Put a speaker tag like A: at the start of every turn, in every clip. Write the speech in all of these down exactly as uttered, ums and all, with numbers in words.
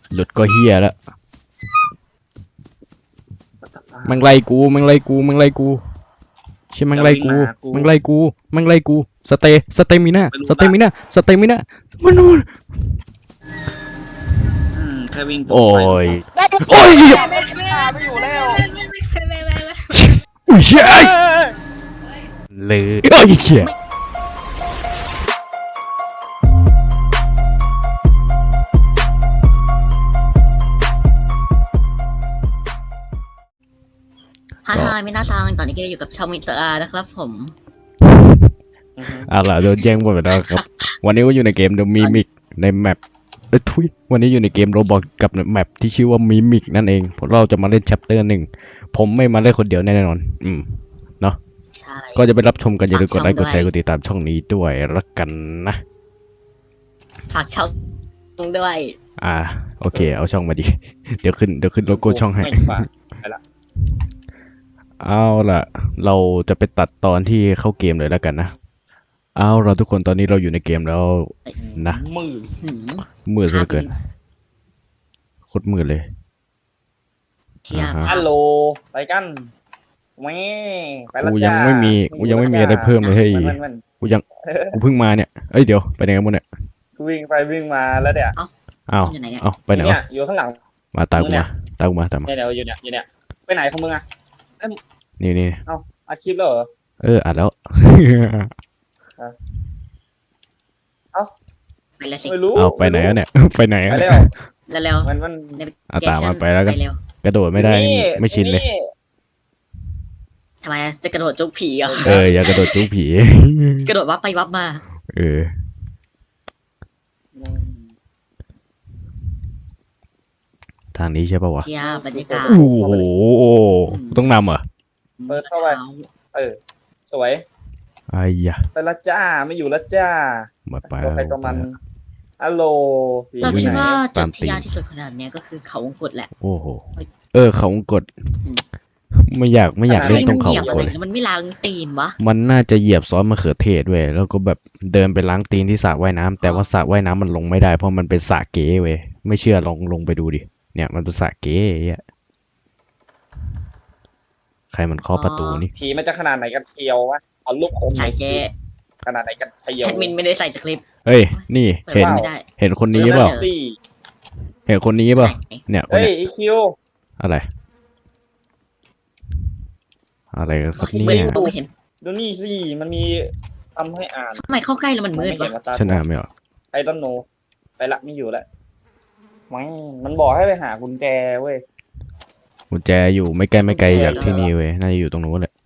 A: หลุดก็เฮียแล้วมังไล่กูมังไล่กูมังไล่กูใช่มังไล่กูมังไล่กูมังไล่กูสเตสเตมิน่าสเตมิน่าสเตมิน่ามันนู่น
B: แค่วิ่ง
A: โอ้ย
C: โอ้ย
D: ไม่ไม่อยู่แล้ว
A: อุ้ยเชี่ยเลยโอ้ยเชี่ย
C: ฮ่าฮ่ามินาซังตอนนี้ก็อยู่กับชาวมิสอาร์นะครับผม
A: เอาล่ะโดนแย่งหมดไปแล้วครับวันนี้ก็อยู่ในเกม The Mimic ในแมปเอ้ยทุยวันนี้อยู่ในเกมโรบอทกับแมปที่ชื่อว่า Mimic นั่นเองพวกเราจะมาเล่น Chapter หนึ่งผมไม่มาเล่นคนเดียวแน่นอนอืมเนาะ
C: ใช่
A: ก็จะไปรับชมกันอย่าลืมกดไลค์กดแชร์กดติดตามช่องนี้ด้วยละกันนะ
C: ฝากช่องด้วย
A: อ่าโอเคเอาช่องมาดิเดี๋ยวขึ้นเดี๋ยวขึ้นโลโก้ช่องให้เอาล่ะเราจะไปตัดตอนที่เข้าเกมเลยแล้วกันนะเอาเราทุกคนตอนนี้เราอยู่ในเกมแล้วนะ
B: มือ
C: หืม
A: มืดเหลือเกินโคตรมืดเลย
C: เชียร์
A: อ่าฮะ
B: ฮัลโหลไปกันแม่ไปแล้ว
A: กู
B: จ้า
A: ยังไม่มีกูยังไม่มีอะไรเพิ่มเลยเฮ้ย
B: มันมัน
A: กูยังกูเพิ่งมาเนี่ยเอ้ยเดี๋ยวไปไหนกันหมดเนี่ย
B: กูวิ่งไปวิ่งมาแล้วเนี่ย
A: อ้าว
C: อยู่ไหนเนี่ย
A: อ้าวไปไหน
B: เนี่
A: วะ
B: ยอยู่ข้างหลัง
A: มาตามกูมาตามกูมาตามมา
B: เนี่ยเดี๋ยวอยู่เนี่ยอยู่เนี่ยไปไหนของมึงอะ
A: นี่นี่
B: อาคลิปแล้วเหรอ
A: เอออัดแล้ว
C: ไปแล้วสิ
B: ไม่รู้
A: เอาไปไหนแล้วเนี่ย ไปไหน
B: ไป
A: อะ
B: แล้
A: เนี่ยว
C: เร็ว
B: มันมัน
C: ๆ
A: เอาตามมาไปแล้วกัน
C: เร็ว
A: กระโดดไม่ได้ไม่ชินเลย
C: ทำไมจะกระโดดจุกผีเหรอ
A: เอออย่ากระโดดจู้ผี
C: กระโดดวับไปวับมา
A: เออทางนี้ใช่ป่าวะ
C: เชียร์บรรยากาศ
A: โอ้โหต้องนำเหรอ
B: เปิดเข้าไปเออสวย
A: ไอ้ยะ
B: ไปละจ้าไม่อยู่ละจ้า
A: มาไป
B: ตัวใครตัวมันฮัลโหล
C: เราคิดว่าจุ
A: ตา
C: ด
A: ม
C: ที่
A: ตีน
C: ยากที่สุดขนาดเนี้ยก็คือเขาวงกตแหละ
A: โอ้โหเออเขาวงกดไม่อยากไม่อยากเล่นตรงเขา
C: เหยี
A: วย
C: บ
A: ง
C: อะ
A: ก
C: ไร
A: ดเลย
C: มันไม่ล้างตีนวะ
A: มันน่าจะเหยียบซอสมะเขือเทศเว้ยแล้วก็แบบเดินไปล้างตีนที่สระว่ายน้ำแต่ว่าสระว่ายน้ำมันลงไม่ได้เพราะมันเป็นสระเก๋เว้ยไม่เชื่อลองลงไปดูดิเนี่ยมันเป็นสระเก๋อ่ะใครมันเคาะประตูนี่
B: ผีมันจะขนาดไหนกันเทียววะเอาลูกอมห
C: ใส่
B: น่อย
C: เจ๊
B: ขนาดไหนกันเทียว
C: แอดมินไม่ได้ใส่สคริปต์
A: เฮ้ยนี่
C: เปิด
A: เห็น
C: ว่าไม่ได้
A: เห็นคนนี้เปล่า
B: สี่
A: เห็นคนนี้เปล่า
C: ไหน
A: เนี่ยคน
B: เฮ้ย
A: เนี้ย
B: อีคิว
A: อะไรอะไรกันครับ
C: ไม่
A: เนี่ย
C: รู้เห็น
B: ดูนี่สิมันมีทำให้อ่าน
C: ทำไมเข้าใกล้แล้วมันมืด
B: ไเห็
C: วะ
B: นว่าตา
A: ฉันอ่านไม่ออก
B: ไอ้ต้นโนไปละไม่อยู่ละไม่มันบอกให้ไปหากุญแจเว้ย
A: กุญแจอยู่ไม่ไกลไม่ไกลจากที่นี่เว้ยน่าจะอยู่ตรงนู้นแหละ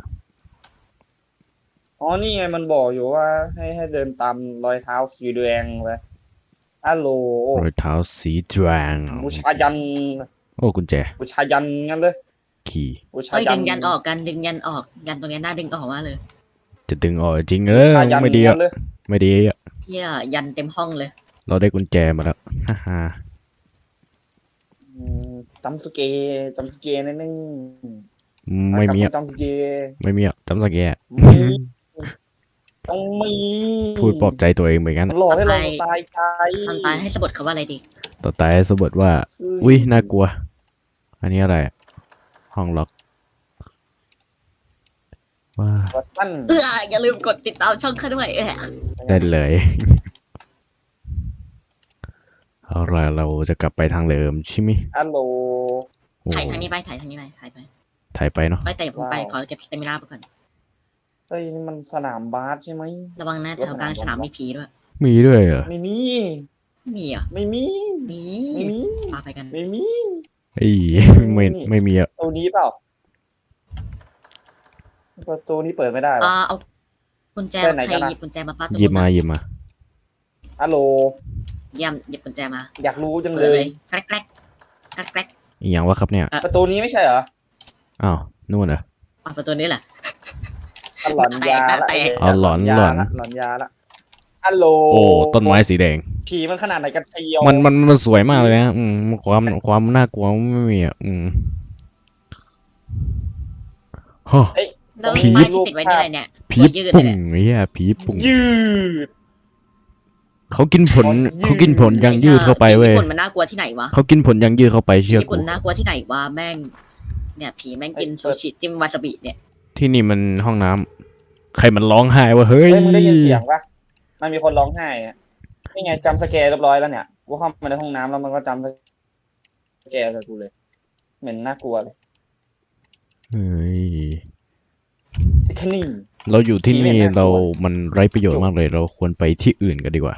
B: อ๋อนี่ไงมันบอกอยู่ว่าให้ให้เดินตามรอยเท้าสีแดงไปฮัลโหล
A: รอยเท้าสีแดง
B: บูชายัน
A: โอ้กุญแจ
B: บูชายันงั้นเลย
A: ขี่
B: บูชา
C: เอ้ย
B: ยั
C: ดึ
B: น
C: งยันออกกันดึงยันออกยันตรงเนี้ยน่าดึงออกมากเลย
A: จะดึงออกจริงเอ
B: บู
A: อ
B: ชายัน
A: ไม่ดี
B: งั้
A: อ่ะ
B: นเลย
A: ไม่ดีอ่ะ
C: เที่ยยันเต็มห้องเลย
A: เราได้กุญแจมาแล้วฮ่าฮ่า
B: อืมจำสเกจำสเกนั่นนึง
A: ไม่มีอ่ะ
B: จำสเก
A: ไม่มีอ่ะจำสักแย่
B: มีต้องมี
A: พูดปลอบใจตัวเองเหมือนกัน
B: มันหลอกให้เราตายใจ
C: ตอนตายให้สะบัดเขาว่าอะไรดี
A: ต่อตายสะบัดว่า อุ้ยน่ากลัว อันนี้อะไรอะห้องล็อกว้า
B: วัสตัน
C: เอออย่าลืมกดติดตามช่องข้าด้วยเออ
A: ได้เลย เอาล่ะเราจะกลับไปทางเดิมใช่ไหม
B: ฮัลโหล
A: โอ้
C: ถ่ายทางนี้ไปถ่ายทางนี้ไปถ่ายไป
A: ถ่ายไปเนาะ
C: ไปแต่ผมไปขอเก็บสเตมินาไปก่อน
B: เฮ้ยนี่มันสนามบาสใช่ไหม
C: ระวังนะแถวกลางสนามมีผีด้วย
A: มีด้วยเหรอ
B: ไม่มี
C: มีเหรอ่ะ
B: ไม่มี
C: มี
B: ไม่มี
C: พาไปกัน
B: ไม่มี
A: ไอ้ไม่ไม่มีอ่ะ
B: ตัวนี้เปล่าประตูนี้เปิดไม่ได้
C: อ่า
B: ปะ
C: เอากุญแจ
B: ไปไหน
C: ใคร
B: กันอะ
C: หยิบกุญแจมาป้าตัว
A: หยิบมา
C: นู้น
A: หยิบมา
B: ฮัลโหล
C: เยี่ยมหยิบกุญแจมา
B: อยากรู้จัง
C: เปิ
B: เล
C: ดเลย ยแกรกแกรกแกรกแกรก
A: อีกอย่างวะครับเนี่ย
B: ประตูนี้ไม่ใช่เหรอ
A: อ้าวนู่นเหรอ
C: อ่ะประตูนี้แหละ
B: อ่ะหลอนยาละ
C: แตก
A: อ๋อหลอน
B: ยา
A: หลอน
B: ละหลอนยาละฮัลโหล
A: โอ้ต้นไม้สีแดง
B: ผีมันขนาดไหนกันเชียว
A: มันมันมันสวยมากเลยนะอืมความความน่ากลัวไม่มีอ่ะอืมฮะ
B: เอ้ย
C: แล้ว
A: ผี
C: ป้ายที่ติดไว้นี่อะไรเนี่ย
A: ผี
C: ตัวยืด
A: ปุ่
C: เลย
A: ง
C: เนี่ย
A: ไอ้เหี้ยผีปุ่ง
B: ยืด
A: เขากินผลเขากินผลยังยืดเข้าไปเว้ย
C: ญี่ปุ่นมันน่ากลัวที่ไหนวะ
A: เขากินผลยังยืดเข้าไปเชื่อ
C: ญี่
A: กู
C: ปุ่นน่ากลัวที่ไหนวะแม่งเนี่ยผีแม่งกินซูชิจิ้มวาซาบิเนี่ย
A: ที่นี่มันห้องน้ำใครมันร้องไห้วะเฮ้ย
B: เฮ้ยมึงได้ยินเสียงปะมันมีคนร้องไห้อะนี่ไงจำสแกร์เรียบร้อยแล้วเนี่ยกูเข้ามาในห้องน้ำแล้วมันก็จำสแกร์กับกูเลยเหม็นน่ากลัวเลย
A: เฮ้ย
B: แค่นี้
A: เราอยู่ที่นี่
B: ผีเนี่ยน่ากลัว
A: เรามันไร้ประโยชน์มากเลย เราควรไปที่อื่นกันดีกว่า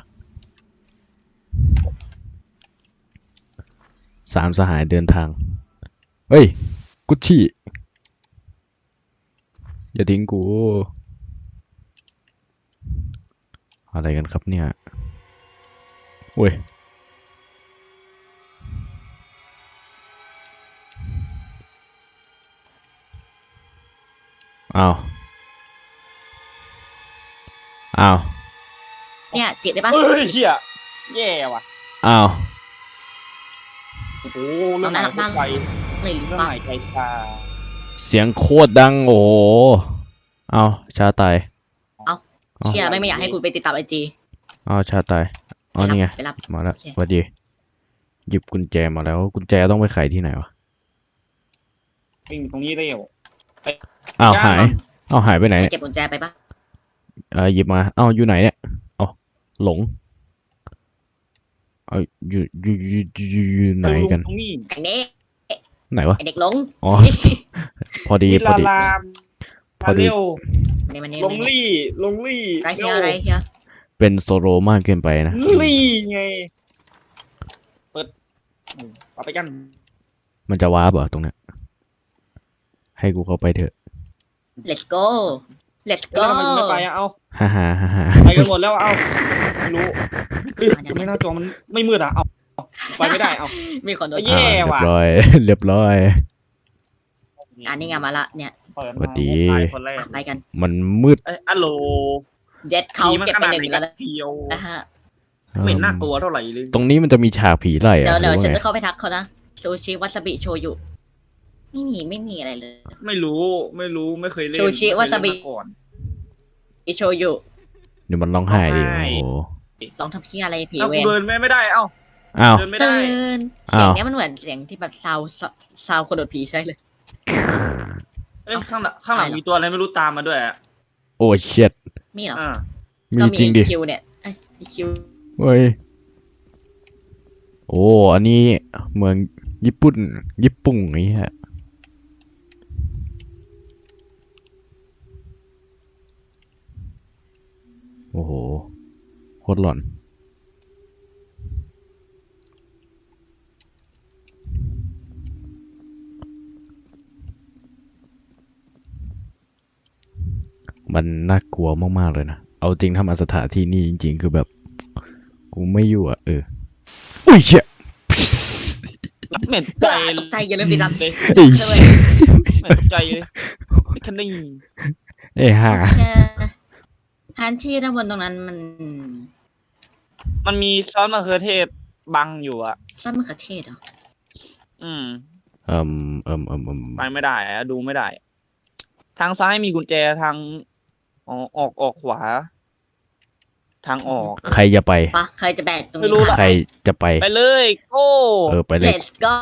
A: สามสหายเดินทางเฮ้ยกุชชี่อย่าทิ้งกูอะไรกันครับเนี่ยเว้ยอ้าวอ้าว
C: เนี่ยจิตได้ปะ
B: เฮ้ยเหี้ยแย่ว่ะ
A: อ้าว
B: โอ้โหเรื่องไหนรถไฟ
C: เลยหรือ
B: เรื่อง
C: เปล่า
B: ไหนใจชา
A: เสียงโคตรดังโอ้โหอ้าวชาตาย
C: เชียร์ไม่ไม่อยากให้กูไปติดตามไอจี
A: อ้าวชาตายอ๋อนี่ไง
C: ไปรับ
A: มาแล้ว
C: โอเค
A: สวัสดีหยิบกุญแจมาแล้วกุญแจต้องไปไขที่ไหนวะ
B: วิ่งตรงนี้เร็ว
A: อ้าวหายอ้าวหายไปไหน
C: ให้
A: เนี่ย
C: เก็บกุญแจไปปะ
A: เออหยิบมาอ้าวอยู่ไหนเนี่ยอ๋อหลงเอาอยู่อยู่อยู่อยู่อยู่ไหนกัน
B: ตรงนี้
C: ไอ้เน่
A: ไหนวะ
C: ไอเด็กหลง
A: อ๋อ พอดี
B: วิ
A: พอ
B: ลา
A: ดี
B: ลาม
A: พอ
B: มา
A: ดี
B: เร็ว
C: เนี่ยมันเนี่ย
B: ลงลี่ลงลี่
C: ไรเฮียไรเฮีย
A: เป็นโซโลมากเกินไปนะ
B: ลี่ไงเปิดอืมเอาไปกัน
A: มันจะว้าบเหรอตรงเนี้ยให้กูเข้าไปเถอะ
C: เลตโก้เลต
B: แล้
C: โก้
B: วทำไมมึงไม่ไปอะเอา
A: ฮ่าฮ่าฮ่าฮ่า
B: ไปกันหมดแล้วเอาไม่รู้เฮ้ยไม่น่าจอมันไม่มืดอะเอาเอาไปไม่ได้เอา
C: มีคนโดน
B: แย่
A: อ่าเรียบ
B: ว่ะ
A: ร้อย เรียบร้อย
C: อันนี้ไงมาละเนี่ย
B: เปิด
A: สวั
B: มา
A: สดี
B: ตายคนแรก
C: อ่ะไปกัน
A: มันมืด
B: เอ้ยอัลโหล
C: เด็ดเขา
B: ผีมัน
C: เก็บ
B: ข
C: ไป
B: นาด
C: หนึ่ง
B: ไหน
C: แล้ว
B: กันเชียว
C: นะฮะ
B: ไม่เห็นน่ากลัวเท่าไหร่เลย
A: ตรงนี้มันจะมีฉากผีไล่
C: เดี๋ยว
A: อะหรื
C: เดี๋ยว
A: อว่า
C: ฉัน
A: ไง
C: จะเข้าไปทักเขานะซูชิวาซาบิโชยุไม่มีไม่มีอะไรเลย
B: ไม่รู้ไม่รู้ไม่เคยเล่น
C: ซูชิ
B: ไม่เคยว
C: าซาบิ
B: เล่นมก่อน
C: อิโชยุ
A: เดี๋ยวมันร้องไห้ดิ
B: ร้องไห้
A: โอ้โห
C: ลองทำเพี้ยอะไรผี
B: เอ้า
C: เว
B: กู
C: น
B: เดินไม่ไม่ได้เอ้า
A: อ้าว
B: เดินไม่
C: ตื่
B: ได้
C: น
A: อ้าว
C: เสียงเนี้ยมันเหมือนเสียงที่แบบซาวซาวคนโดดผีใช่เลย
B: เอ้ยข้างหลังข้างหลัง
C: อะไรเหรอ
B: มีตัวอะไรไม่รู้ตามมาด้วยอะ
A: โอ้เช็ด
C: มีเหรอ
B: อ่า
A: มี
C: ก็
A: จริงดิ
C: คิวเนี่ยเอ้ยมีคิว
A: เฮ้ยโอ้อันนี้เมืองญี่ปุ่นญี่ปุ่งนี่ฮะโอ้โหโคตรหลอนมันน่ากลัวมากๆเลยนะเอาจริงถ้ามาสถานที่นี่จริงๆคือแบบกูไม่อยู่อ่ะเอออุ้ยเชี่ย
B: เหม็นใจ
C: ตกใจอย่าลืมติดตาม
B: เลย
A: เอ้ย
C: เลย
B: เหม็นตกใจเลยแค่นี้
A: เอ้ยห่า
C: แค่แผนที่ด้านบนตรงนั้นมัน
B: มันมีซอสมะเขือเทศบังอยู่อะ
C: ซอสมะเขือเทศเหรอ
B: อืม
A: เอิ่มเอิ่มเอิ่มเอิ่ม
B: ไปไม่ได้อะดูไม่ได้ ทางซ้ายมีกุญแจทางออกออกออกขวา ทางออก
A: ใครจะไป
C: ปะใครจะแบกตรง
B: ไม่
C: นี้
B: รู้หรอก
A: ใครจะไป
B: ไปเลยโก้
A: เออไปเลย
C: Let's go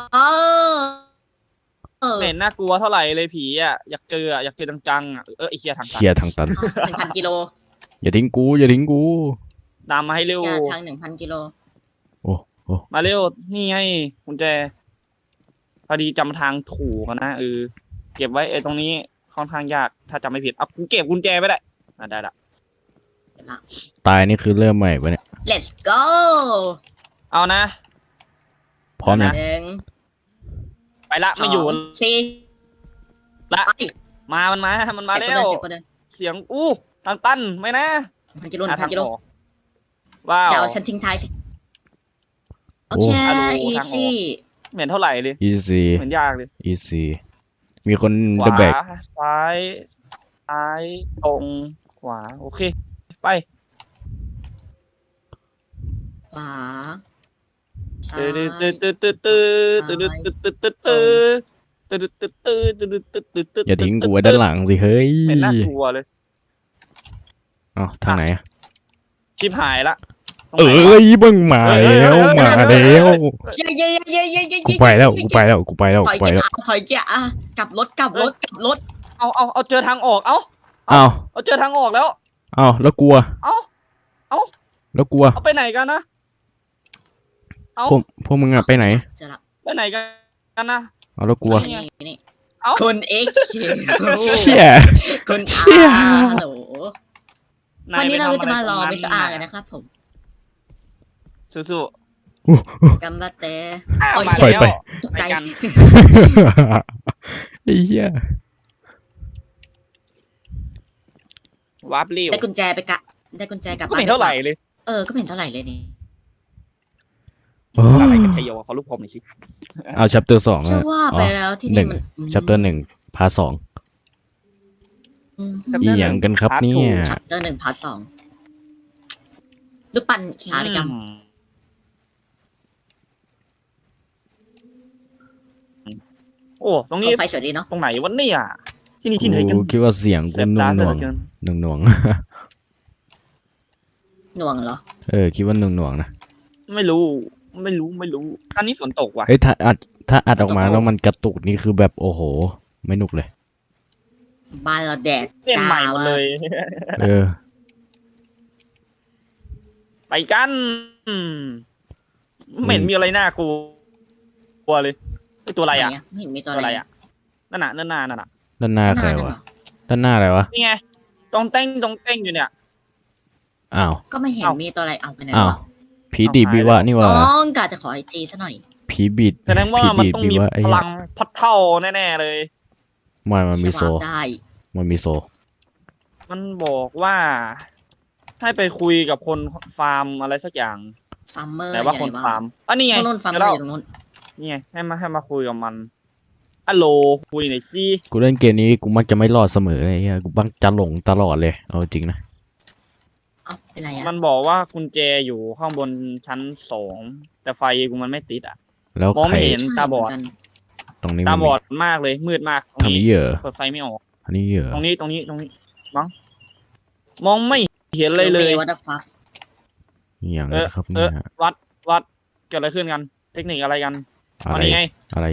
C: เออ
B: ไม่เห็นน่ากลัวเท่าไหร่เลยผีอะอยากเจออะอยากเจอจังๆอะเออไอเคียทาง
A: เคลียร์ทางตัน
C: หนึ่งพันกิโล
A: อย่าทิ้งกู อย่าทิ้งกู
B: ตามมาให้เร็ว
C: เชียร์ทางหนึ่งพันกิโล
A: โอ้โอ้
B: มาเร็วนี่ไงกุญแจพอดีจำทางถูกอะนะเออเก็บไว้เออตรงนี้ค่อนข้างยากถ้าจำไม่ผิดเอากูเก็บกุญแจไว้ได้อ่ะได้ละ
A: ตายนี่คือเริ่มใหม่ปะเนี่ย
C: Let's go
B: เอานะ
A: พร้อมยัง
C: หนึ่ง
B: ไปละ
C: ส
B: ไม่
C: อ
B: อยู่
C: งสี่
B: ละ
C: ไป
B: มามันมามันมา
C: เสีย
B: แล้
C: ง
B: ว
C: คนเดิน
B: เสียงอู้ทางตันไม่นะ
C: เสียงคนเดินหนึ่งพันกิโลห
B: หา
C: นึ่งพั
B: ทาง
C: นกิโล
B: ออกว้าว
C: จะเอาฉันทิ้งท้ายสิโอเค
B: อ่ะดู
C: อี
B: ทางออก
C: ซี่
B: เหม็นเท่าไหร่เลย
A: easy
B: เหมือนยากเลย
A: easy มีคน
B: ข
A: เด
B: วา
A: แบก
B: ซ้ายซ้ายตรงขวาโอเค ไป
C: ขวาซ้า
B: ตื้
C: ย
B: อตื้อตื้อตื้อตื้อตื้อตื้อตื้อตื้อตื้อตื้อตื้อตื้อตื้อตื้อตื้อตื้อตื้อ
A: อย่าทิ้งกูไว้ด้านหลังสิเฮ้ย
B: เป็นน่ากลัวเลย
A: เอ้าทางไหนอะ
B: ชิบหายละตรง
A: เอ
B: ไหนวะ
A: ้ยมึงมาแล้วมาแล้ว
C: เย้เย้เย้เย้เย้
A: กูไปแล้วกูไปแล้วกูไปแล้ว
C: ถอย
A: กูไป
C: เกีย
A: แล้ว
C: ร์ถอยเกียร์อ่ะกลับรถกลับรถกลับรถ
B: เอาเอาเอาเจอทางออก เอ้า
A: อ้าว
B: เอาเจอทางออกแล้ว
A: อ้าวแล้วกลัว
B: เอ้า เอ้า
A: แล้วกลัว
B: เอาไปไหนกันนะ เอ้า
A: พวกพวกมึงอะไปไหน
C: เจอละ
B: ไปไหนกันนะ
A: เอาแล้วกลัว
B: นี่ไง
C: นี่นี่
B: เอ้า
C: คุณเอ็กซ์
A: เชี่ย
C: คุณอา
A: เชี่ย
C: ฮัลโหล
B: นย
C: วันนี้เรา
B: ไป
C: จะ
B: ทำ
C: มา
B: อะไร
C: รอ
B: ตง
C: มิสอาร์กันนะครับผม
B: สู้
C: กัมบาเตะ
B: ๆอ้าว
C: โอ้ย
B: มา
A: ปล่อย
B: แล้ว
A: ไป
C: ตกใจ
B: ไปกัน
A: ไอ้เหี้ยว
B: าร์ปรีว
C: ได้กุญแจไปกะได้กุญแจกลับ
B: ก็ไม่เห็นเท่าไหร่เลย
C: เออก็ไม่เห็นเท่าไหร่เลยนี่
A: โอ้
B: อะไรกันชัยโยเขาลูกผมหน่อยสิ
A: เอาชัปเตอร์สอง
C: เชื่อ
A: อะ
C: ว่า
A: อ๋
C: ไป
A: อ
C: แล้วที่
A: หนึ่
C: นี่
A: ง
C: มัน
A: ชัปเตอร์หนึ่งพาร์ทสอง
C: อืม
A: อีหยังกันครับเนี่ย
C: ชัปเตอร์หนึ่งพาร์ทสองรูปปั้นสารกรรม
B: โอ้ ตรง
C: ข
B: นี้
C: องไฟสวยดีเนาะ
B: ตรงไหนวะเนี่ยที่นี่ที่ไหนกัน
A: กูคิดว่าเสียง
B: เซ
A: กู
B: ฟ
A: หน่ว
B: ตาง เห
A: หน่
B: ลื
A: ว
B: อง เกิน
A: หน่วงหน่วง
C: หน่วงเหรอ
A: เออคิดว่าหน่วงหน่วงนะ
B: ไม่รู้ ไม่รู้ ไม่รู้ อันนี้ฝนตกว่ะ
A: เฮ้ยถ้าอัดถ้าอัดออกมาแล้วมันกระตุกนี่คือแบบโอ้โห ไม่นุกเลย
C: บ้านเราแดด
B: เปลี่ยนใหม่หมดเลย
A: เออ
B: ไปกันอืมไม่เห็นมีอะไรน่ากลัวกลัวเลยไอตัวอะไรอ่ะ
C: หนไม่เห็นมีตั
B: ตัว ว
C: อะ
B: อะไร ไรอ่ะ นั่นน่ะนั่นน่ะนั่นน่ะ
A: ด้านหน้าใคร
C: นั่น
A: วะ
C: เหรอ
A: ด้านหน้าอะไรวะ
B: นี่ไงตรงเต้งตรงเต้งอยู่เนี่ย
A: อ้าว
C: ก็ไม่เห็น
B: เอ้ามี
C: มีตัวอะไรเอาไปไหน
A: อ้าว
C: วะ
A: ผีดีบวิวะนี่วะ
C: น้องกาจะขอไอจีซะหน่อย
A: ผีบีด
B: แสดงว่า
A: ผี
B: มัน
A: ดีด
B: ต้อง
A: วิ
B: มี
A: วะไอ้
B: พ
A: เหี้ย
B: ลังพัดเท่าแน่ๆเลย
A: ไม่มันมีโซ
C: เชื่อว่าได้
A: มันมีโซ
B: มันบอกว่าให้ไปคุยกับคนฟาร์มอะไรสักอย่าง
C: ฟาร์มเมอร์
B: ไหนว่าคนฟาร์มอ่ะนี่ไง
C: นู่นฟาร์มเมอ
B: แล้
C: ร์
B: ว
C: อยู่ตรงนู้น
B: นี่ไงให้มาให้มาคุยกับมันอะโหลคุยหน่อยสิ
A: กูเล่นเกมนี้กูมักจะไม่รอดเสมอเลยไอ้เหี้ยกูบังจะหลงตลอดเลย เอาจริงนะ
C: เอ้าเป็นไรอ่ะ
B: มันบอกว่ากุญแจอยู่ข้างบนชั้นสองแต่ไฟกูมันไม่ติดอ่ะ
A: แล้ว
B: มอง
A: ใคร
B: ไม่เห็น
C: ใช่
B: ตาบอด
C: เหมืนกัน
A: ตรงนี้
B: ตา
A: มัน
B: บ
A: มี
B: อดมากเลยมืดมากตรง
A: ทางนี้
B: นี้
A: เหรอ
B: เปิดไฟไม่ออก
A: อันนี้เหรอ
B: ตรงนี้ตรงนี้ตรงนี้มั้งมองไม่เห็นเลยเลย
C: วัตฟัก
A: อย่าง
B: เอ
A: นั้
B: อน
A: ครับ
B: เอ
A: เนี่
B: อย วัดวัดเกิดอะไรขึ้นกัน เทคนิคอะไรกัน
A: อะ
B: อัน
A: ไร
B: นี้ไง
A: อะไร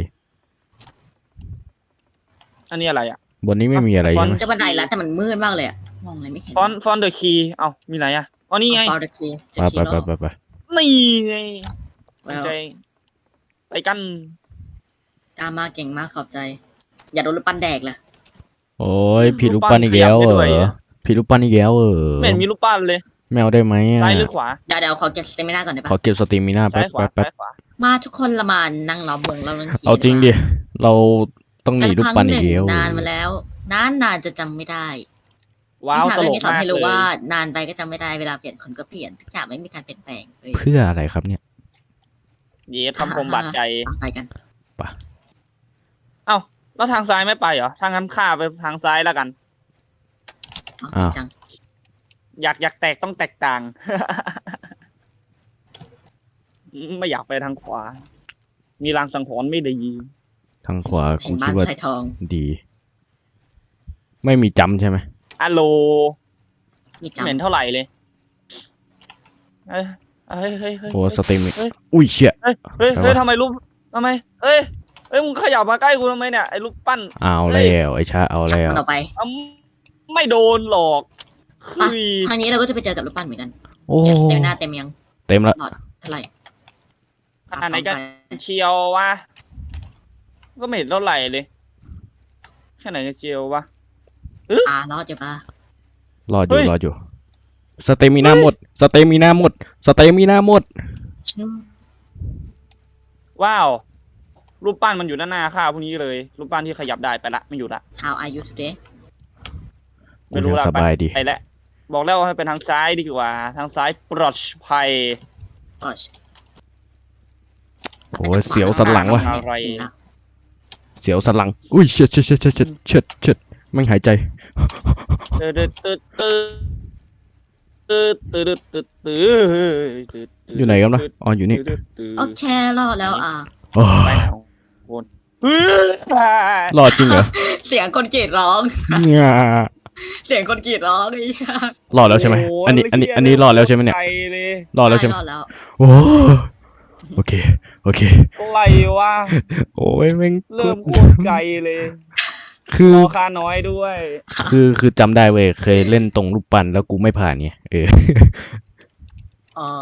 B: อันนี้อะไรอ่ะ
A: บนนี้ไม่มีอะไร
B: ฟอ
A: ใช่
B: นต์
A: ไหม
C: จะบันไดแล้วแต่มันมืดมากเลยอะมองอะไรไม่เห็น
B: ฟอนฟอนเดอะคีเอ้ามีไหนอ่ะอ๋อนี่ไง
C: ฟอร์ดคีจะ
A: ไป
C: คี
A: ไป
C: โร่
A: ไปไปไป
B: นี่ไง
C: แว
B: กุญ
C: ว
B: แจไปกัน
C: กล้ามากเก่งมากขอบใจ อย่าโดนลูกปั้นแดกเลย
A: โอ้ยผีลูกปั้นอีกแล้วเหรอผีลูกปั้นอีกแล้วเหรอ
B: ไม่เห็นมีรูปปั้นเลย
A: แมวได้ไหมอะ
B: ซ้ายหรือขวา
C: เดี๋ยวเดี๋ยวขอเก็บสเตมิน่าก่อนได้ปะ
A: ขอเก็บสตรีมมีหน้า
B: ซ้า
A: แป๊
B: ย
A: บ
B: ขวา
A: แป๊บแป๊บ
B: ซ้ายขวา
C: มาทุกคนละมานั่งล้อมวงเราเล่นคี
A: เอาจริงดิ เราต้องหนีลูกปั้นอีกแล้ว
C: นานมาแล้ว นานนานจะจำไม่ได้
B: ว้าว
C: นิทาน
B: ต
C: เรื่
B: ล
C: อง
B: ก
C: นี้สอน
B: มาก
C: ให้
B: เล
C: รู้
B: ย
C: ว่านานไปก็จำไม่ได้เวลาเปลี่ยนคนก็เปลี่ยนทุกอย่างไม่มีการเปลี่ยนแปลงเว้ย
A: เพื่ออะไรครับเนี่ย
B: เย็ดคำคมบาดใจ
C: ไปกัน
B: เอ้าแล้วทางซ้ายไม่ไปเหรอทางนั้นข้าไปทางซ้ายแล้วกัน
C: เอาจริงจัง
B: อยากอยากแตกต้องแตกต่าง ไม่อยากไปทางขวา มีรางสังหรณ์ไม่ดี
A: ทางขวา
C: เห็
A: กู
C: นบ้า
A: คิ
C: น
A: ดว่า
C: ใส่ทอง
A: ดี ไม่มีจำใช่ไหม
B: อะโล
C: มี
B: ไม่เห็น
C: จำ
B: เท่าไหร่เลย เฮ้ยเฮ้ยเฮ้ยเฮ้ย
A: โอ้สตรีมมี
B: เฮ้ย
A: อุ้ยเชี่ย
B: เฮ้ยเฮ้ย
A: อะไรวะ
B: เฮ้ยทำไมรูปทำไมเฮ้ยเฮ้ยมึงขยับมาใกล้กูทำไมเนี่ยไอ้รูปปั้น
A: เอาแล้วไอ้ชาเอาแล้ว
C: มันออกไป
B: อ้ำไม่โดนหรอกคือ
C: ทางนี้เราก็จะไปเจอกับรูปปั้นเหมือนกัน
A: โอ้
C: เดี๋ยวสเตมิน่าเต็มยัง
A: เต็มละ
C: หลอดเท่าไหร่
B: ขนาดไหนกันเชียววะก็ไม่เห็นเท่าไหร่เลยแค่ไหนจะเชียววะ
C: อ่ารอดอยู่ปะ
A: รออ
B: เฮ้
A: ยู่
B: ย
A: รออยู่ สเตมินาหมด สเตมินาหมด สเตมินาหมด
C: ฉัน
B: ว้าว รูปปั้นมันอยู่ด้านหน้าข้าพวกนี้เลย รูปปั้นที่ขยับได้ไปละไม่อยู่ละ
C: How are you today
B: ไม่รู้ละ
A: สบายดี
B: ไปแล้วบอกแล้วว่าให้เป็นทางซ้ายดีกว่า ทางซ้ายปลอดภัย
C: Gosh
A: โอ้ยเสียวสันหลังวะ
B: อะไร
A: เสียวสันหลัง อุ้ยเชิดเชิดเชิดเชิดเชิดเชิดเชิดแม่งหายใจ
B: ตืดตืดตืดตืดตืดตืดตืด
A: อยู่ไหนกันนะอ๋ออยู่นี่
C: โอเครอดแล้วอ่ะ
A: โอ้
B: ไป
A: ย
B: ไหนคน
A: รอดจริงเหรอ
C: เสียงคนกรีดร้อง
A: งา
C: เสียงคนกรีดร้องไอ้เหี้ย
A: รอดแล้วใช่ไหม
B: โ
A: อันนี้อันนี้อันนี้รอดแล้วใช่ไหมเนี่ย
B: ใจเลย
A: รอดแล้วใช่ไหม
C: รอดแล้ว
A: โอ้โอเคโอเค
B: อะไรวะ
A: โอ้ยแม่ง
B: เริ่มโคตรไกลเลย
A: คือ
B: รอค่าน้อยด้วย
A: คือคือจำได้เว้ยเคยเล่นตรงรูปปั้นแล้วกูไม่ผ่านไงเออ
C: อ๋อ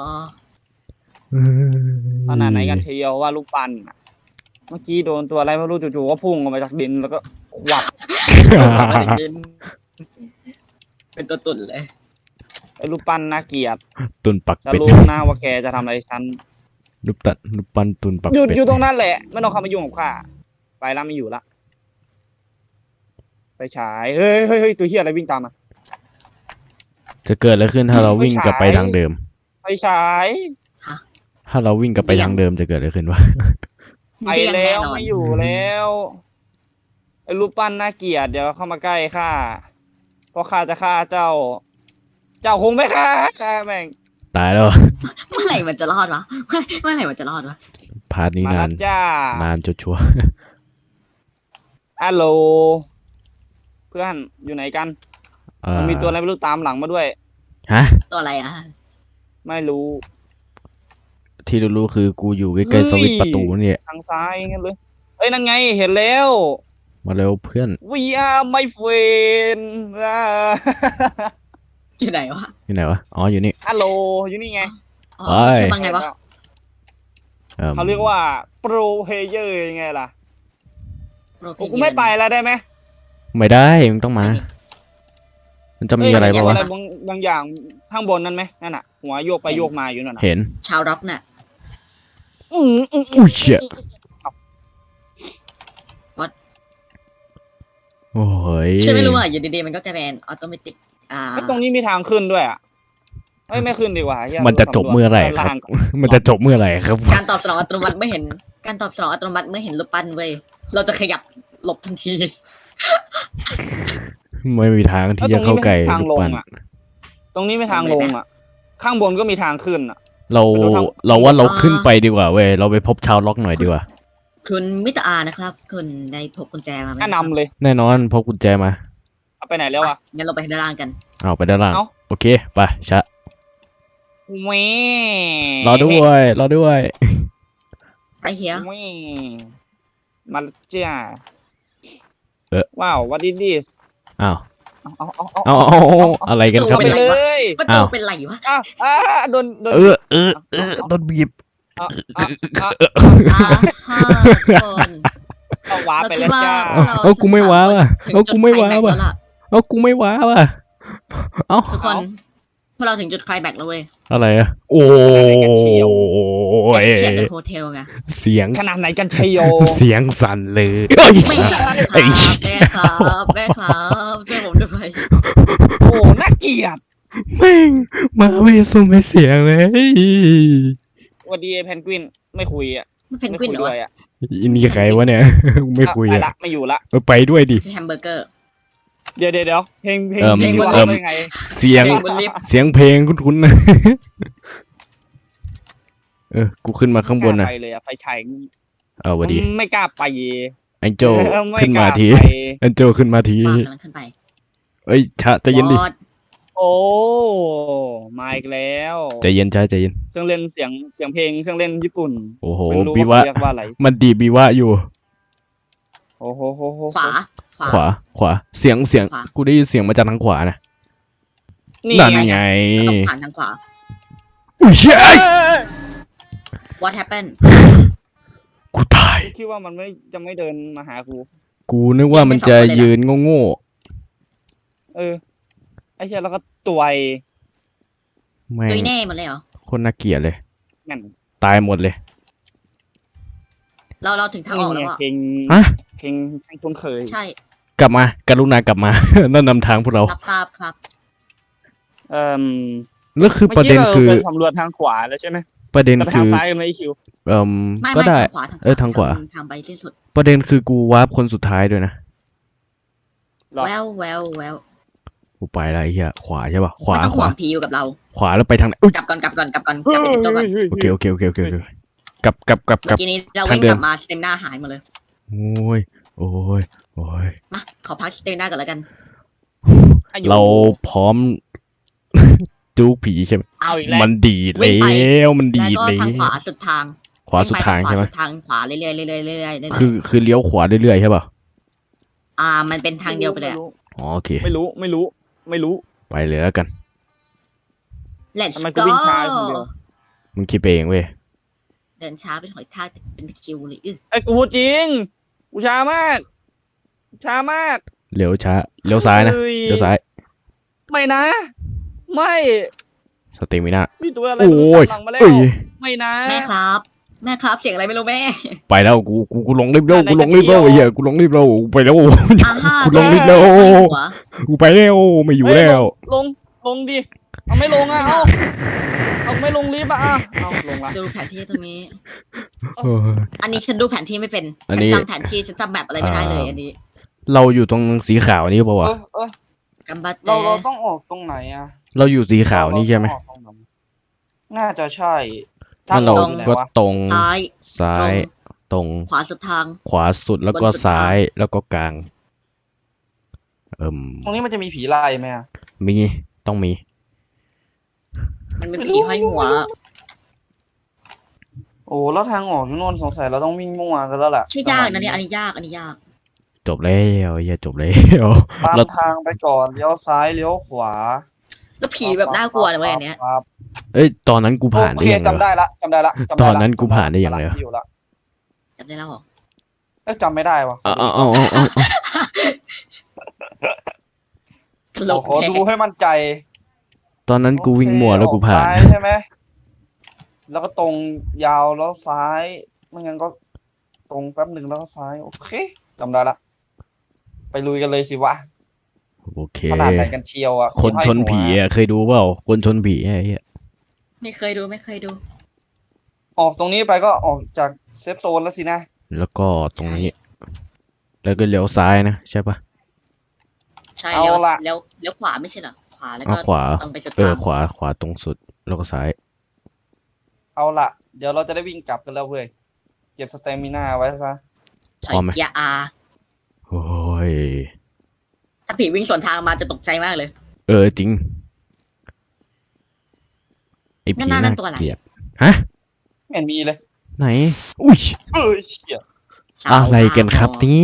B: ขนาดไหนกันเชียวว่าลูกปั้นอะเมื่อกี้โดนตัวอะไรไม่รู้จู่ๆก็พุ่งออกมาจากดินแล้วก็หวัด
C: เป็นตัวตุ่นเลย
B: ไอ้ลูกปั้นน่าเกลียด
A: ตุนปัก
B: จะ
A: เป็ด
B: รู้นะว่าแกจะทำอะไรฉัน
A: รูปตัดรูปปั้นตุนปัก
B: หยุด
A: เป็ด
B: อยู่ตรงนั้นแหละไม่ต้องเข้ามายุ่งกับข้าไปแล้วไม่อยู่ละไปฉายเฮ้ยเฮ้ยเฮ้ยตัวเฮียอะไรวิ่งตามมา
A: จะเกิดอะไรขึ้นถ้าเราวิ่งกลับไป
B: ไม่ใช่
A: ทางเดิม
B: ไปฉาย
A: ถ้าเราวิ่งกลับไปทางเดิมจะเกิดอะไรขึ้นวะ
B: ไป
C: เดี่ยง
B: แล้
C: น่
B: วน
C: น
B: ไม่อยู่แล้วไอ้รูปปั้นน่าเกลียดเดี๋ยวเข้ามาใกล้ข้าเพราะข้าจะฆ่าเจ้า เจ้าคงไม่ฆ่าข้าแม่ง
A: ตายแล้ว
C: เมื่อไหร่มันจะรอดวะเมื่อเมื่อไหร่มันจะรอดวะ
A: พาร์ทนี้
B: มาน
A: าน
B: แล้วจ้าน
A: านจนชัวร์
B: ฮัลโหลเพื่อนอยู่ไหนกัน
A: เอ่อ
B: มันมีตัวอะไรไม่รู้ตามหลังมาด้วย
A: ฮะ
C: ตัวอะไรอ่ะ
B: ไม่รู้
A: ที่รู้ๆคือกูอยู่ใกล้ๆสวิตช์ประตูเนี่ย
B: ทางซ้ายงั้นเลยเอ้ยนั่นไงเห็นแล้ว
A: มาเร็วเพื่อน
B: We are my friend อ่า
C: อยู่ไหนวะ
A: อยู่ไหนวะอ๋ออยู่นี่
B: ฮัลโหลอยู่นี่ไง
C: อ๋อ
A: ไป
C: ชื่อว่าไงวะ
A: เอิ่ม
B: เขาเรียกว่าโปรเพเยอร์ยังไงล่ะ
C: โปรเพ
B: โอ้
C: เยอร์
B: กูไม่ไปแล้วได้ไหม
A: ไม่ได้มึงต้องมา มันจะมีอะไร
B: เย
A: ปะ
B: เห็น
A: วะ
B: อะไรบางบางอย่างข้างบนนั่นไหมนั่นน่ะ หัวโยกไปโยกมาอยู่นั่นน่ะ
A: เห็น
C: ชาวร็อกน่ะ
B: อืมอืม
A: อุ้ยเชี่ยโอ้ย
C: ฉันไม่รู้อ่ะอยู่ดีๆมันก็กลายเป็นออโตเมติกอ่า
B: ไอ้ตรงนี้มีทางขึ้นด้วยอ่ะเอ้ยไม่ขึ้นดีกว่าเหี้ย
A: มันจะจบเมื่อไหร่ครับ
B: ด้านล่างก่อน
A: มันจะจบเมื่อไหร่ครับ
C: การตอบสนองอัตโนมัติเมื่อเห็น การตอบสนองอัตโนมัติเมื่อเห็นรูปปั้นเว้ยเราจะขยับหลบทันที
A: ไม่มีทางที่จะเข้าใกล้
B: แล้วตรงนี้ไม่มีทางลง
A: รูปปั้น
B: อ่ะ ตรงนี้ไม่ทางลงอ่ะ ข้างบนก็มีทางขึ้นอ่ะ
A: เรา
B: ไปดูทาง
A: เราว่าเรา
C: อ่า
A: ขึ้นไปดีกว่าเว้ยเราไปพบชาวล็อกหน่อยดีกว่า
C: คุณมิตรอานะครับ คุณได้พกกุญแจมาไหม
B: แนะนำเลย
A: แน่นอนพกกุญแจมา
B: เอาไปไหนแล้วอ่ะ
C: งั้นเราไปด้านล่างกัน
A: เอาไปด้านล่าง
B: เอ้า
A: โอเคไปชะ
B: แหม่
A: รอด้วยรอด้วย
C: ไรเฮีย
B: แหม่มาแล้วจ้า
A: เอ๊ะ
B: ว้าว what is this
A: อ้าว
B: เอาเอาเอา
A: เอาเอาเอาอะไรกันครับ
B: ไป
A: เนี่ย
B: เลย
C: ประตู
A: อ้าว
C: เป็นไรวะ
B: อ้าวอ้าโดนโดน
A: เออเออเออโดนบีบ
B: เอาเอาเอา
C: อ่าฮะทุกคน
B: เอาว้าไปแล้วจ้า
A: เอาเอากูไม่ว้าวอ่ะ
C: ถึง
A: เอา
C: จุ
A: กู
C: ด
A: ไม่
C: ไคล
A: ว้า
C: แม็ก
A: ว
C: ซ์
A: อ่ะ
C: แล้วล่ะ
A: เอากูไม่ว้าวอ่ะเอา
C: ทุกคนพวกเราถึงจุดไคลแม็กซ์แล้วเว้ย
A: อะไรอ่ะโอ้
C: แอย สเทียบเป็นโฮเทลไง
A: เสียง
B: ขนาดไหนกันชัยโย
A: เสียงสั่นเลยเอ้ย
C: ไม่ครับ
A: ไอ้
C: แม่ครับแม่ครับช่วยผมด้วย
B: โอ้น่าเกลียด
A: แม่งมาไม่ส่งไม่เสียงเลย
B: สวัสดีเพนกวินไม่คุยอ่ะ
C: มันเพน
B: ไม่
C: กวิน
B: คุย
C: เหรอ
B: ด้ว
C: วะ
B: ยอ่ะ
A: อินนี่ใครวะเนี่ย ไม่คุย
B: ไป
A: อ่ะ
B: ละไม่อยู่ละ
A: เออไปด้วยดิ
C: คือแฮมเบอร์เกอร์
B: เดี๋ยวเดี๋ยวเดี๋ยวเพลงเพลง
A: เอิ่ม
B: เพลง
C: เอิ่ม
B: ว่าได้ไง
A: เสียง
C: เพลงบนลิฟต์
A: เสียงเพลงคุ้นๆนะ เออ กูขึ้นมาข้างบน
B: ไม่
A: นะ
B: กล้าไปเลยอ่ะไฟฉาย
A: เอาวะดี
B: ไม่กล้าไป
A: ไอ้โจ
B: เออไม่
A: ขึ้น
B: ก
A: มา
B: ล้า
A: ที
B: ไป
A: ไอ้โจขึ้นมาที
C: ปากกำลังขึ้นไป
A: เอ้ยชะใจเย็นดิ
C: วอด
B: โอ้มาอีกแล้ว
A: ใจเย็นชะใจเย็น
B: เครื่องเล่นเสียงเสียงเพลงเครื่องเล่นญี่ปุ่น
A: โอ้โห
B: ไม่รู้
A: บี
B: ว่าว
A: ะ
B: เขาเรียกว่าอะไร
A: มันดีบีวะอยู่
B: โอ้โหโหโห
C: ขวา ขวา
A: ขวา ขวา เสียงเสียง
C: ขวา
A: กูได้ยินเสียงมาจากทางขวานะ
B: นี่
A: นั่น
B: ไง
A: ไง
C: เราต้องผ่านทางขวา
A: อุ้ยเฮ้ย
B: เอ้ย
C: What happened
A: กูตาย
B: คิดว่ามันไม่จะไม่เดินมาหากู
A: กูนึกว่ามันจะยืนโง่
B: เออไอ้เชี่ยแล้วก็ตัวไอ้
A: ๆแม่ง
C: ตุยแน่หมดเลยเหรอ
A: คนน่าเกลียดเลย
B: นั่น
A: ตายหมดเลย
C: เราเราถึงทางออกแล้ว
B: นี่ไง
C: อ่ะ
B: เพลง
A: ฮะ
B: เพลงเพลงคุ้นเคย
C: ใช่
A: กลับมากรุณากลับมา นั่นนำทางพวกเรา
C: รับทราบครับ
B: เอ่อ
A: แล้วคือประเด็น
B: มื่กี้
A: คือ
B: ราไปสำรวจทางขวาแล้วใช่ไหม
A: ประเด็น
B: แต่ไป
A: คื
B: ทาง
A: อ
B: ซ้ายกันไหมไอคิว
A: เอ่ม
C: ไม่
A: ก็
C: ไม่
A: ได้
C: ทางขวาทางขวา
A: เออทางขวา
C: ทางไปที่สุด
A: ประเด็นคือกูวาร์ปคนสุดท้ายด้วยนะ
B: หรอ
C: แววแววแวว
A: กูไปแล้วไอ้เหี้ยขวาใช่ป่ะ ขวา
C: มันต้อง
A: ข
C: ห่ว
A: วา
C: งผีอยู่กับเรา
A: ขวาแล้วไปทางไหนอุ้ย
C: กลับก่อนกลับก่อนกลับก่อนกลับไปติดตัวก่อน
A: โอเคโอเคโอเคโอเคโอเคกลับกลับกลับก
C: เมื่
A: ลั
C: อบ กี้นี้เราวิ่ง
A: ทางเดิ
C: ก
A: ม
C: ลับมาสเตมหน้าหายหมดเลย
A: โอ้ยโอ้ยโอ้ย
C: มาขอพักสเตมหน้าก่อนแล้วกัน
B: อายุ
A: เราพร้อม จูผีใช่ไหม
B: เอาอีกแล้ว
A: มันดีด
C: วิ่งไป
A: แล้วมันดี
C: แล้ว
A: ด
C: ก็
A: แล้
C: ทางขวาว สุดทาง
A: ขวาสุดทาง
C: วิ่
A: ใช่ไหม
C: ไปขวาสุดทางขวาเรื่อยๆเรื่อยๆเรื่อยๆเรื่อยๆ
A: คือคือเลี้ยวขวาเรื่อยๆใช่ป่ะ
C: อ่ามันเป็นทางเดียวไปเลยอะ
A: อ๋อโอเค
B: ไม่รู้ไม่รู้ไม่รู้
A: ไปเลยแล้วกัน
C: Let's
B: ทำไมกู
C: go
B: วิ่งช้าคนเดียว
A: มึงคิดไปเองเว้ย
C: เดินช้าเป็นหอยทากแต่เป็นคิวเลยอื้อ
B: ไอ้กูพูดจริงกูช้ามาก ช้ามาก
A: เลี้ยวช้า เลี้ยวซ้ายนะ
B: ฮ้
A: เลี้ยวซ้าย
B: ไม่นะ ไม่
A: สเตมิน่า
B: มีตัวอะไร
A: โอ้ย
B: ตามหลังมาแล้ว
A: เอ้ย
B: ไม่นะ
C: แม่ครับ แม่ครับเสียงอะไรไม่รู้แม่
A: ไปแล้วกูกูกูลงรีบเร็ว
B: ไหน
A: กู
B: ๆ
A: ลงรีบเร็ว
B: ก็
A: ไอ้
B: เที่
A: เหี้
B: ย
A: ยว กูลงรีบเร็วไปแล้ว
C: อ่าฮะ
A: กูลงรีบเร็ว
C: แม่หัว
A: กูไปแล้วไม่อยู่
B: เฮ้
A: แล้ว
B: ลงลงลงดิเอาไม่ลงอ่ะเอาเอาไม่ลงรีบอ่ะอ่ะเอาลงละ
C: ดูแผนที่ตรงนี้
A: เออ
C: อันนี้ฉันดูแผนที่ไม่เป็น
A: อัน
C: ฉัน
A: นี้
C: จำแผนที่ฉันจำแมปอะไรไม่ได้เลย
A: อ่า
C: อันนี้
A: เราอยู่ตรงสีขาวนี่ป่าวะ
D: เออเออ
C: กัมบัต
D: เราเรา
C: แต่
D: ต้องออกตรงไหนอ่ะ
A: เราอยู่สีขาวนี่ใช่ไหม
D: เราต้องออกตรงไหนน่าจะใช่
A: ถ้าเรา
D: ออกอยู่ไหน
A: ก็
D: วะ
A: ตรง
C: ซ้าย
A: ซ้ายตรง
C: ขวาสุดทาง
A: ขวาสุดแล้วก็
C: บนสุด
A: ซ้าย
C: ทาง
A: แล้วก็กลาง เอิ่ม
D: ตรงนี้มันจะมีผีไล่ไหมอ่ะ
A: มีต้องมี
C: มันเป็นผีห้อยหัว
D: โอ้แล้วทางออกอยู่โน่นสงสัยเราต้องวิ่งมั่วกันแล้วล่ะ
C: ใช่ยากนะเนี่ยอันนี้ยากอันนี้ยาก
A: จบแล้วอย่าจบแล้ว
D: ตาม
A: เรา
D: ทางไปก่อนเลี้ยวซ้ายเลี้ยวขวา
C: แล้วผีแบบน่ากลัวนะเว้ยอันเนี้ย
D: ครับ
A: เอ้ยตอนนั้นกูผ่าน
D: โอ
A: ได้
D: เค
A: ยังไง
D: จำได้
A: วะ
D: ละจำได้ละจำได้ละ
A: ตอนนั้นกูผ่านได้ยังไงวะ
D: อยู่ละ
C: จำได้แล้วเหรอ
D: เอ้ยจำไม่ได้วะ
A: เอาเอาเอาเอาเอา
C: ตลก
D: ขอ
C: แท้
D: ดูให้มั่นใจ
A: ตอนนั้นกูวิ่งมั่วแล้วกูผ่าน
D: ออซ้ายใช่ไหมแล้วก็ตรงยาวแล้วซ้ายไม่งั้นก็ตรงแป๊บหนึ่งแล้วก็ซ้ายโอเคจำได้ละไปลุยกันเลยสิวะ
A: โอเค
D: ขนาดไหนกันเชียวอ่ะ
A: คนชนผีอ่ะเคยดูเปล่าคนชนผีไอ้เหี้ย
C: ไม่เคยดูไม่เคยดู
D: ออกตรงนี้ไปก็ออกจากเซฟโซนแล้วสินะ
A: แล้วก็ตรงนี้ แล้วก็เลี้ยวซ้ายนะใช่ปะ
C: ใช่
D: เอา
C: เลี้ยว
D: ละ
C: เลี้ยวเลี้ยวขวาไม่ใช่เหรอขวาแล้ว
A: เอา
C: ก็
A: ขวา
C: ตรงไปสุด
A: เออ
C: ทาง
A: ขวาขวาตรงสุดแล้วก็ซ้าย
D: เอาละเดี๋ยวเราจะได้วิ่งกลับกันแล้วเว้ยเก็บสเตมิน่าไว้ซะ
C: ถอยเกียร์อา
A: โอ้ย
C: ถ้าผีวิ่งสวนทางมาจะตกใจมากเลย
A: เออจริงไอผี
C: นั่นนั่
A: น่าน
C: ตัวอะไร
A: เกลียดฮะ
D: ไม่เห็นมีเลย
A: ไหนอุ้ย
D: เอ้ยเชี่ย
C: สาว
A: อะไรกันครับเนี่ย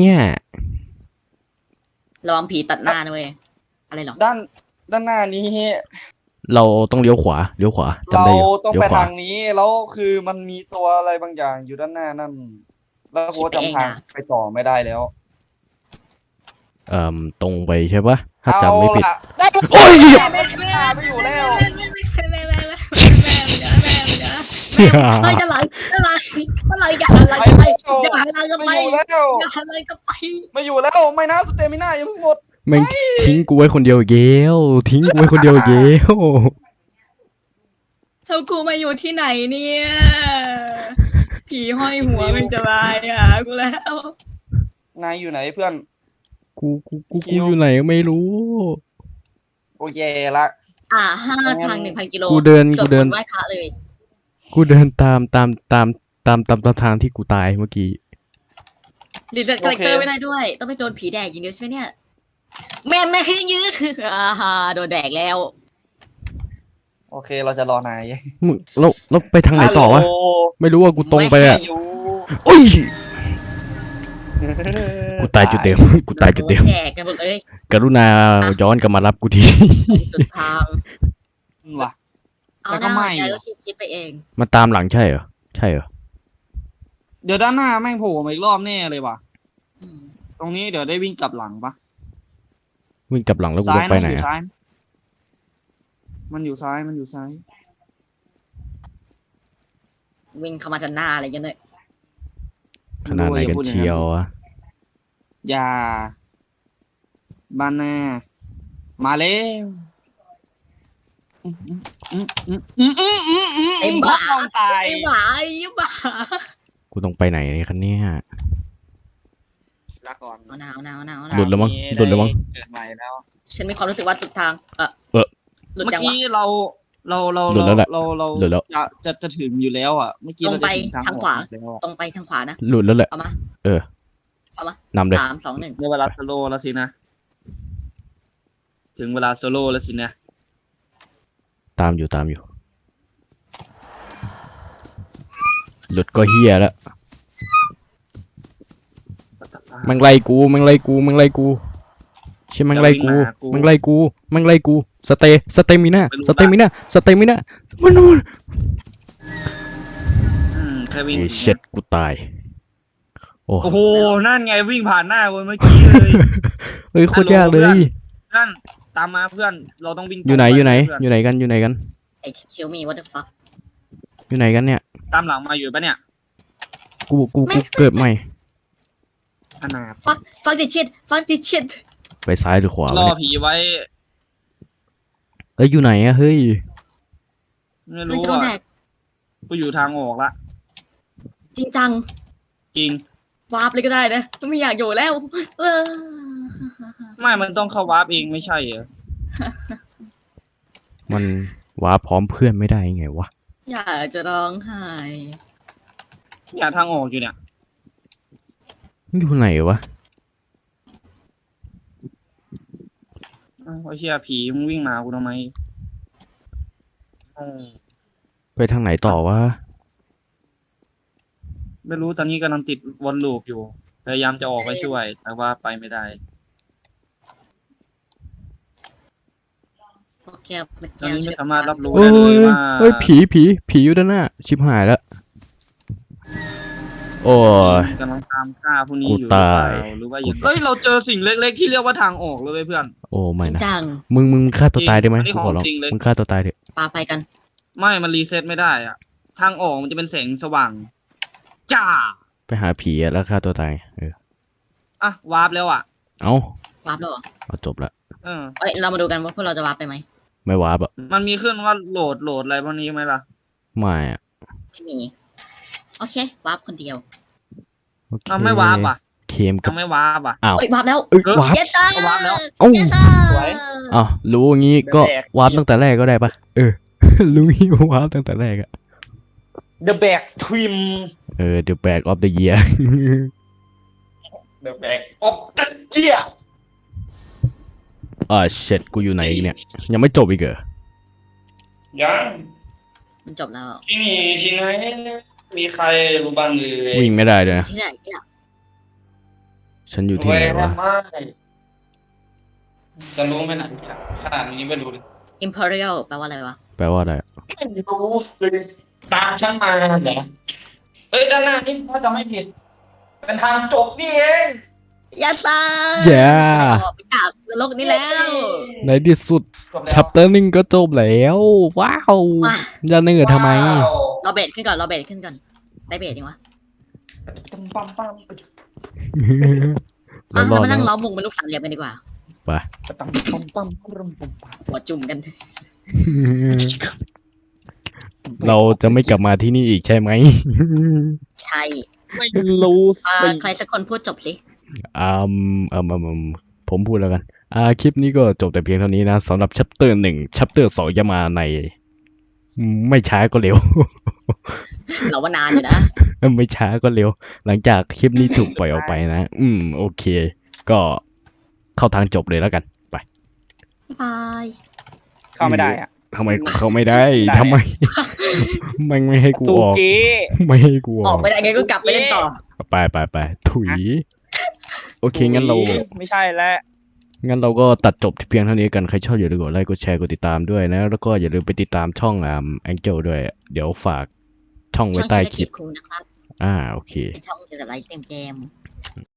C: ระวังผีตัดหน้านะเว้ยอะไรหรอ
D: ด้านด้านหน้านี้
A: เราต้องเลี้ยวขวาเลี้ยวขวาจำ
D: เรา
A: ได้อยู่
D: ต้อง
A: เลี้ย
D: ไป
A: วขวา
D: ทางนี้แล้วคือมันมีตัวอะไรบางอย่างอยู่ด้านหน้านั่น แล้วกูจำทางไปต่อไม่ได้แล้ว
A: เอ่มตรงไปใช่ปะถ้าจำไม่ผิด
D: เอาล่ะได้
A: โอ้ย
D: ไม่ไม่ไม่อยู่แล้ว
C: แม่แม่แม่แม่แม่แม่แม่แม่เฮ้ยจะไหลจะไหลจะไหลอย่าหันหลังจะไปอย่าหันหลังจะไป
D: ไม่อยู่แล้ว
C: อย่าหันหลังจะไป
D: ไม่อยู่แล้วไม่นะสเตมิน่ายังไม่หมด
A: แม่งทิ้งกูไว้คนเดียวอีกแล้วทิ้งกูไว้คนเดียวอีกแล้ว
C: เจ้ากูมาอยู่ที่ไหนเนี่ยผีห้อยหัวมันจะมาอ่ะกูแล้ว
D: นายอยู่ไหนเพื่อน
A: กูกูกู
D: คิ
A: กู
D: ว
A: อยู่ไหนก็ไม่รู้
D: โอเคละ
C: อ่าห้าทางหนึ่งพันกิโล
A: กูเดิน
C: สว
A: กูเดิน
C: มนต์ไหว้พระเลย
A: กูเดินตามตามตามตามตามตามทางที่กูตายเมื่อกี้
C: หรือจะคาแรคเตอร์ไม่ได้ด้วย ต้องไปโดนผีแดกอย่างเดียวใช่ไหมเนี่ยแม่แม่ให้ยื้ออ่าฮะโดนแดกแล้ว
D: โอเคเราจะรอนาย
A: มึงเราเราไปทางไหนต่อวะ
D: ฮัลโหล
A: ไม่รู้ว่ากูตรงไปอ่ะ
D: อยู่
A: อุ้ยกูตายจุดเดิมกูตายจุดเดิม
C: โนแดกกันหมดเลย
A: กรุณาย้อนกลับมารับกูที
C: สุดทาง
D: ว่ะ
C: เอา
D: แต่
C: ห
D: ก็
C: น้า
D: ไม่
C: ใจก็คิดคิดไปเอง
A: มาตามหลังใช่เหรอใช่เหรอ
B: เดี๋ยวด้านหน้าแม่งโผล่มาอีกรอบแน่เลยว่ะ
C: อืม
B: ตรงนี้เดี๋ยวได้วิ่งกลับหลังปะ
A: วิ่งกลับหลังแล้วกู
B: ซ้า
A: ต้
B: ย
A: องไป
B: นะ
A: ไหน
B: อยู่
A: อะ
B: ซ้าย มันอยู่ซ้ายมันอยู่ซ้าย
C: วิ่งเข้ามาทันหน้าอะไรกันเลย
A: ขนาดไหนกันเชียวอะ
B: อย่าบ้านหน้ามาแล้วอืมอืมอืมอืมอืมอืมอืม
C: ไอ้
B: อืม
C: บ้า
B: พ่อมตาย
C: ไอ้หมาไอ้บ้า
A: กูต้องไปไหนคันเนี่ย
B: ลาก่อน
C: เอาหนาวหนาวหนาวห
A: หลุ
C: นาว
A: ดแล้วมั้งหลุดแล้วมั้ง
B: เกิดใหม่แล้ว
C: ฉันมีความรู้สึกว่าสุดทางเออ
A: เออ
C: หลุด
B: เมื่อ
C: จังวะ
B: กี้เราเราเรา
A: หลุดแล้วแหละ
B: เราเรา
A: หลุดแล้ว
B: จะจะจะถึงอยู่แล้วอ่ะเมื่อกี้
C: ตร
B: เรา
C: ง
B: จะ
C: ไป
B: ถึงทาง
C: ทางขวา
B: ออกแล้วอะ
C: ตรงไปทางขวานะ
A: หลุดแล้วแหละ
C: เอามา
A: เออ
C: เอามา
A: นำเลย
C: สามสองหนึ่ง
B: ได้เวลาสโลว์แล้วสินะถึงเวลาโซโล่แล้วสินะ
A: ตามอยู่ตามอยู่ หลุดก็เฮียแล้วแมันไล่กูแมันไล่กูแมันไล่กูใช่แมันไล่กูแมันไล่กูแมันไล่กูสเตสเตมิน่าสเตมิน่าสเตมิน่ามันนู่น
B: อืมแค่วิ่ง
A: ไอ้เช็ดกูตายโอ้
B: โอ้โหนั่นไงวิ่งผ่านหน้ากูเมื่อกี้เลย
A: เฮ้ยโคตรยากเลย
B: นั่นตามมาเพื่อนเราต้องวิ่งตรง
A: อยู่ไหนอยู่ไหน
B: ปเพื่
A: อยู่ไหนกันอยู่ไหนกัน
C: ไอ้คิวมี what the fuck
A: อยู่ไหนกันเนี่ย
B: ตามหลังมาอยู่ปะเนี่ย
A: กูกูกูเกิดใหม่
B: อนาถ
C: fuck fuck this shit fuck this shit
A: ไปซ้ายหรือขวาร
B: อ
A: วะเนี่ย
B: ผีไว้
A: เอ้ยอยู่ไหนอะเฮ้ย
B: ไม่
C: มัน
B: รู้
C: จะโดนแด
B: อ่ะ
C: ก
B: กูอยู่ทางออกละ
C: จริงจัง
B: จริง
C: วาร์ปเลยก็ได้นะไม่อยากอยู่แล้วเออ
B: ไม่มันต้องเข้าวาร์ปเองไม่ใช่เหรอ
A: มันว้าพร้อมเพื่อนไม่ได้ไงวะ
C: อยากจะร้องไห้
B: เนี่ยทางออกอยู่เนี่ย
A: อยู่ไหนวะ
B: อ้าวไอ้เหี้ยผีมึงวิ่งมากูทำไมอืม
A: ไปทางไหนต่อวะ
B: ไม่รู้ตอนนี้กำลังติดวนลูปอยู่พยายามจะออกไปช่วย แต่ว่าไปไม่ได้
C: โอเคเมื่อ
B: ตอน
C: กี้
B: นี้ไม่สามารถรับรู้
A: เฮ้
B: ได้
A: ย
B: เลยว่า
A: เฮ้ยผีผีผีอยู่ด้านหน้า ชิบหายแล้ว โอ้ย
B: กำลังตามฆ่าพวกนี้
A: กู
B: อยู่หรือเปล่า
A: ตาย
B: หรือว่าอย่างเอ้ยเราเจอสิ่งเล็กๆที่เรียกว่าทางออกเลยเว้ยเพื่อน
A: โอ้
C: จ
A: ไม่
C: ริง
A: นะ
C: จัง
A: มึงมึงฆ่าตัวตายได้ไหม
B: อันนี้
A: กู
B: ของ
A: ขอร้อง
B: จริงเลย
A: มึงฆ่าตัวตายเถอะ
C: ปาไปกัน
B: ไม่มันรีเซ็ตไม่ได้อะทางออกมันจะเป็นแสงสว่างจ้า
A: ไปหาผีอะแล้วฆ่าตัวตาย เออ
B: อ่ะวาร์ปแล้วอ่ะ
A: เอ้าว
C: าร์ปแล้วเหรอ
A: เอาจบละ
B: เออ
C: เอ้ยเรามาดูกันว่าพวกเราจะวาร์ปไปไหม
A: ไม่ว้าบอะ
B: มันมีขึ้นว่าโหลดโหลดอะไรพวกนี้ไหมล่ะ
A: ไม่อะ
C: ไม่มีโอเควาร์ปคนเดียว
A: โอเค
B: เราไม่วาร์ปอ่ะ
A: เคมกั
B: ยั
A: บ
B: งไม่วาร์ปอ่ะ
A: อ้าว
C: เอ้ยวาร์ปแล้ว
A: เอ้ย
B: เออ
A: วาร์ป
C: เยสซ่า
B: วาร์ปแล้ว
A: เอ้า
C: เยสซ่า
B: สวย
A: อ้าวรู้อย่างงี้ก็
B: แบก
A: วาร์ปตั้งแต่แรกก็ได้ปะเออ รู้งี้วาร์ปตั้งแต่แรกอะ
B: The Back Trim
A: เออ The Bag of the Year
B: The Back of the Year
A: อ่าเช็ดกูอยู่ไหนอีกเนี่ย ยังไม่จบอีกเหรอ
B: ยัง
C: มันจบแล้ว
B: ที่นี่ที่ไหนมีใครรู้บ้างเลย
A: วิ่งไม่ได้เลยนะ
C: ที่ไหนเนี่ย
A: ฉันอยู่ที่ไหนวะ
B: ไม่จะรู้ไหมนะขนาดนี้ไม่รู้เลย
C: Imperial แปลว่าอะไรวะ
A: แปลว่าอะไรอะ
B: ไม่รู้เลยตามฉันมาเหรอเฮ้ยด้านหน้านี่ถ้าจะไม่ผิด เป็นทางจบนี่เอง
C: ยาซา
A: แย่
C: ออกไปจากนรกนี้แล้ว
A: ในที่สุด
B: จบแล้ว
A: ชัปเตอร์หนึ่งก็จบแล้ว ว้าว
C: มา
A: จะเหนื่อยทำไม
B: ว้าว
C: เราเบรดขึ้นก่อนเราเบรดขึ้นก่อนได้เบรดยังวะ
B: ปั๊มปั๊มปั๊ม
C: อ่ะ
A: เราร
C: เรา
A: อด
C: มา
A: แล้
C: นั่ง
A: ว
C: ล้อมวงเป็นลูกสามเหลี่ยมกันดีกว่า
A: ไป
B: ปั๊มปั๊มปั๊มปั๊มปั๊มปั๊ม
C: หัวจุ่มกัน
A: เราจะไม่กลับมาที่นี่อีกใช่ไหม
C: ใช่
B: ไม่รู้
C: อ่า
B: สิ
C: ใครสักคนพูดจบสิ
A: อืมอืมอืมอืมผมพูดแล้วกัน อ่า คลิปนี้ก็จบแต่เพียงเท่านี้นะสำหรับชัปเตอร์หนึ่งชัปเตอร์สองจะมาใน ไม่ช้าก็เร็ว
C: เราว่านานอยู่นะ
A: ไม่ช้าก็เร็ว หลังจากคลิปนี้ถูกปล่อยออกไปนะ อืม โอเค ก็เข้าทางจบเลยแล้วกัน ไป
C: บ๊ายบาย
B: เข้าไม่ได้อะ
A: ทำไมเขาไม่ได้
B: ได้
A: ทำไม มันไม่ให้กู
B: ตู
A: ออก
B: เก๊
A: ไม่ให้กูอ
C: อ
A: อ
C: อก
A: ก
C: ไปได้ไงก็กลับไปเล่นต่อ
A: ไปไปไปถุย โอเค งั้นเรา
B: ไม่ใช่แล้ว
A: งั้นเราก็ตัดจบที่เพียงเท่านี้กัน ใครชอบอย่าลืมกดไลค์ กดแชร์ กดติดตามด้วยนะ แล้วก็อย่าลืมไปติดตามช่องอ่าแองเจิลด้วย เดี๋ยวฝากช่องไว้
C: ช่อง
A: ใต้
C: ชิล
A: คลิป
C: คูนะครับ
A: อ่า โอเค
C: เป็นช่องเกี่ยวกับไลฟ์สตรีมเกม